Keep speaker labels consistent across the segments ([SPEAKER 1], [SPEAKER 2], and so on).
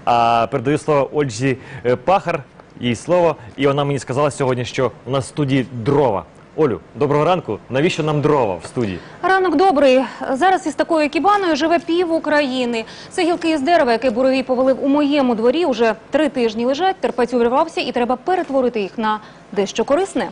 [SPEAKER 1] А передаю слово Ользі Пахар, їй слово. І вона мені сказала сьогодні, що у нас в студії дрова. Олю, доброго ранку. Навіщо нам дрова в студії?
[SPEAKER 2] Ранок добрий. Зараз із такою кібаною живе пів України. Це гілки із дерева, яке буревій повалив у моєму дворі. Уже 3 тижні лежать, терпець увірвався і треба перетворити їх на дещо корисне.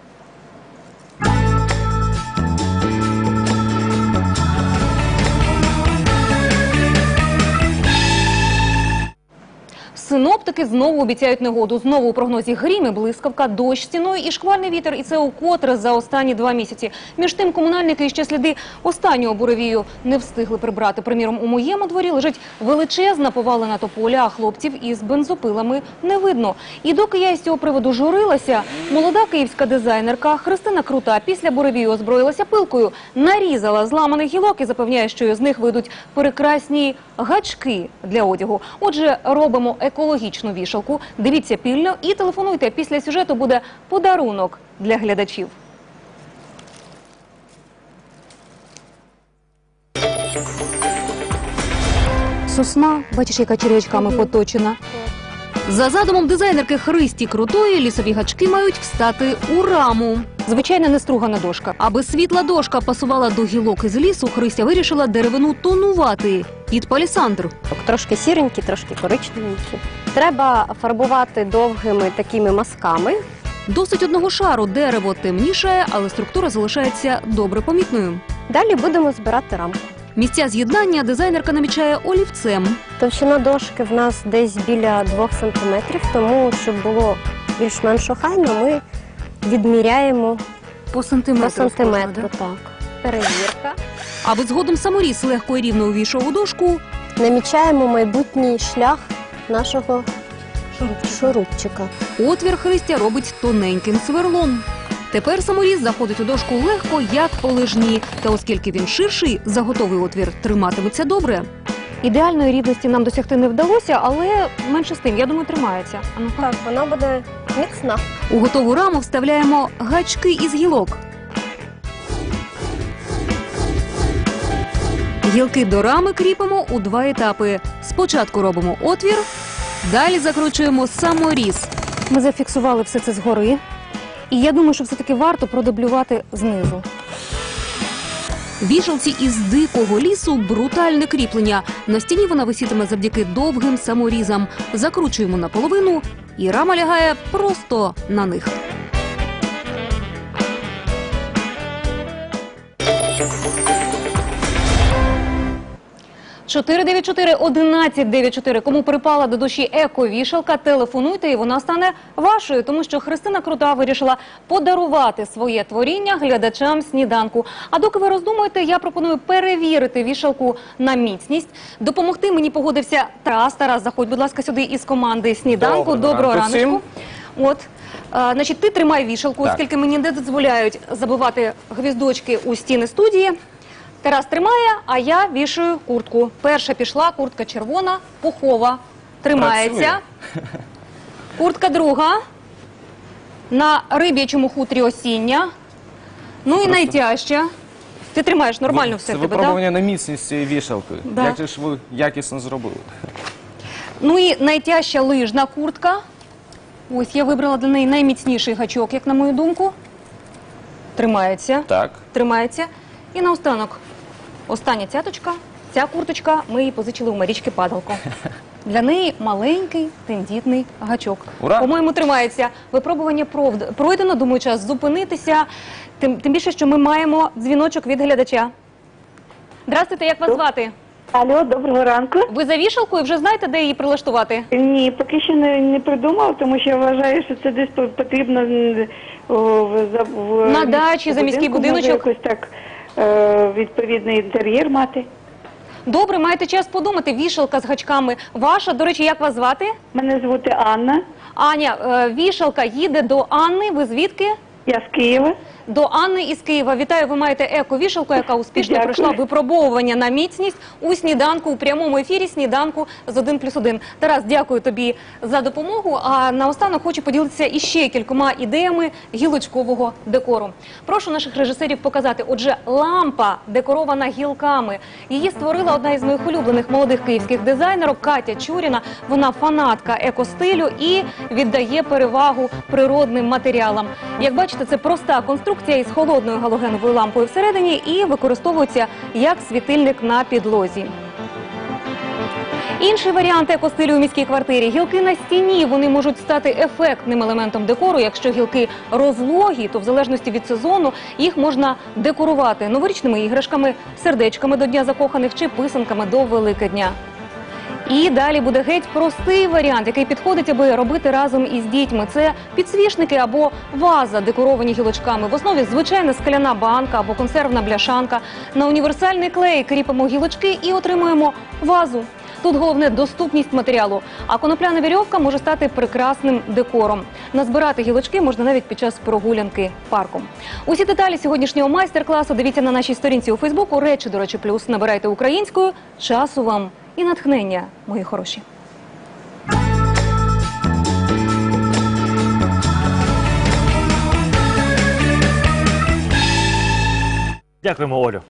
[SPEAKER 2] Синоптики знову обіцяють негоду. Знову у прогнозі грім і блискавка, дощ стіною і шквальний вітер. І це укотре за останні 2 місяці. Між тим, комунальники ще сліди останнього буревію не встигли прибрати. Приміром, у моєму дворі лежить величезна повалена тополя, а хлопців із бензопилами не видно. І доки я із цього приводу журилася, молода київська дизайнерка Христина Крута після буревію озброїлася пилкою, нарізала зламаних гілок і запевняє, що з них вийдуть прекрасні гачки для одягу. Отже, робимо екологічну вішалку. Дивіться пильно і телефонуйте. Після сюжету буде подарунок для глядачів. Сосна, бачиш, яка черв'ячками поточена. За задумом дизайнерки Христі Крутої, лісові гачки мають встати у раму. Звичайна нестругана дошка. Аби світла дошка пасувала до гілок із лісу, Христя вирішила деревину тонувати під палісандр.
[SPEAKER 3] Трошки сіренькі, трошки коричневенькі. Треба фарбувати довгими такими мазками.
[SPEAKER 2] Досить одного шару, дерево темнішає, але структура залишається добре помітною.
[SPEAKER 3] Далі будемо збирати рамку.
[SPEAKER 2] Місця з'єднання дизайнерка намічає олівцем.
[SPEAKER 3] Товщина дошки в нас десь біля 2 см, тому, щоб було більш-менш охайно, ми відміряємо
[SPEAKER 2] по сантиметру.
[SPEAKER 3] Так. Перевірка.
[SPEAKER 2] Аби згодом саморіз легко і рівно увійшов у дошку,
[SPEAKER 3] намічаємо майбутній шлях нашого шурупчика.
[SPEAKER 2] Отвір Христя робить тоненьким сверлом. Тепер саморіз заходить у дошку легко, як по лижні. Та оскільки він ширший, заготовий отвір триматиметься добре. Ідеальної рівності нам досягти не вдалося, але менше з тим, я думаю, тримається.
[SPEAKER 3] Так, вона буде міцна.
[SPEAKER 2] У готову раму вставляємо гачки із гілок. Гілки до рами кріпимо у 2 етапи. Спочатку робимо отвір, далі закручуємо саморіз. Ми зафіксували все це згори. І я думаю, що все-таки варто продублювати знизу. Вішалці із дикого лісу – брутальне кріплення. На стіні вона висітиме завдяки довгим саморізам. Закручуємо наполовину, і рама лягає просто на них. – 494-1194. Кому припала до душі еко-вішалка, телефонуйте, і вона стане вашою. Тому що Христина Крута вирішила подарувати своє творіння глядачам сніданку. А доки ви роздумуєте, я пропоную перевірити вішалку на міцність. Допомогти мені погодився Тарас. Тарас, заходь, будь ласка, сюди із команди сніданку. Доброго раночку. От, значить, ти тримай вішалку, оскільки мені не дозволяють забивати гвіздочки у стіни студії. Тарас тримає, а я вішаю куртку. Перша пішла, куртка червона, пухова, тримається. Куртка друга, на риб'ячому хутрі осіння. Ну і найтяжча. Ти тримаєш нормально все в тебе, так?
[SPEAKER 4] Це випробування на міцність цієї вішалки.
[SPEAKER 2] Да.
[SPEAKER 4] Як же ж ви якісно зробили?
[SPEAKER 2] Ну і найтяжча лижна куртка. Ось я вибрала для неї найміцніший гачок, як на мою думку. Тримається.
[SPEAKER 4] Так.
[SPEAKER 2] Тримається. І наостанок, остання цяточка. Ця курточка, ми її позичили у Марічки Падалко. Для неї маленький тендітний гачок.
[SPEAKER 4] Ура!
[SPEAKER 2] По-моєму, тримається. Випробування пройдено, думаю, час зупинитися. Тим більше, що ми маємо дзвіночок від глядача. Здравствуйте, як вас звати?
[SPEAKER 5] Алло, доброго ранку.
[SPEAKER 2] Ви за вішалкою вже знаєте, де її прилаштувати?
[SPEAKER 5] Ні, поки що не придумав, тому що я вважаю, що це десь потрібно
[SPEAKER 2] на дачі, за міський будиночок.
[SPEAKER 5] Може якось так відповідний інтер'єр мати.
[SPEAKER 2] Добре, маєте час подумати. Вішалка з гачками ваша. До речі, як вас звати?
[SPEAKER 5] Мене звати Анна.
[SPEAKER 2] Аня, вішалка їде до Анни. Ви звідки?
[SPEAKER 5] Я з Києва.
[SPEAKER 2] До Анни із Києва. Вітаю, ви маєте еко-вішалку, яка успішно
[SPEAKER 5] Дякую.
[SPEAKER 2] пройшла випробовування на міцність у сніданку, у прямому ефірі сніданку з 1+1. Тарас, дякую тобі за допомогу. А наостанок хочу поділитися іще кількома ідеями гілочкового декору. Прошу наших режисерів показати. Отже, лампа декорована гілками. Її створила одна із моїх улюблених молодих київських дизайнерок Катя Чуріна. Вона фанатка екостилю і віддає перевагу природним матеріалам. Як бачите, це проста конструкція із холодною галогеновою лампою всередині і використовується як світильник на підлозі. Інший варіант екостилю у міській квартирі – гілки на стіні. Вони можуть стати ефектним елементом декору. Якщо гілки розлогі, то в залежності від сезону їх можна декорувати новорічними іграшками, сердечками до Дня закоханих чи писанками до Великодня. І далі буде геть простий варіант, який підходить, аби робити разом із дітьми. Це підсвічники або ваза, декоровані гілочками. В основі звичайна скляна банка або консервна бляшанка. На універсальний клей кріпимо гілочки і отримуємо вазу. Тут головне – доступність матеріалу, а конопляна вірьовка може стати прекрасним декором. Назбирати гілочки можна навіть під час прогулянки парком. Усі деталі сьогоднішнього майстер-класу дивіться на нашій сторінці у Фейсбуку «Речі, до речі, плюс». Набирайте українською. Часу вам і натхнення, мої хороші.
[SPEAKER 1] Дякуємо, Олю.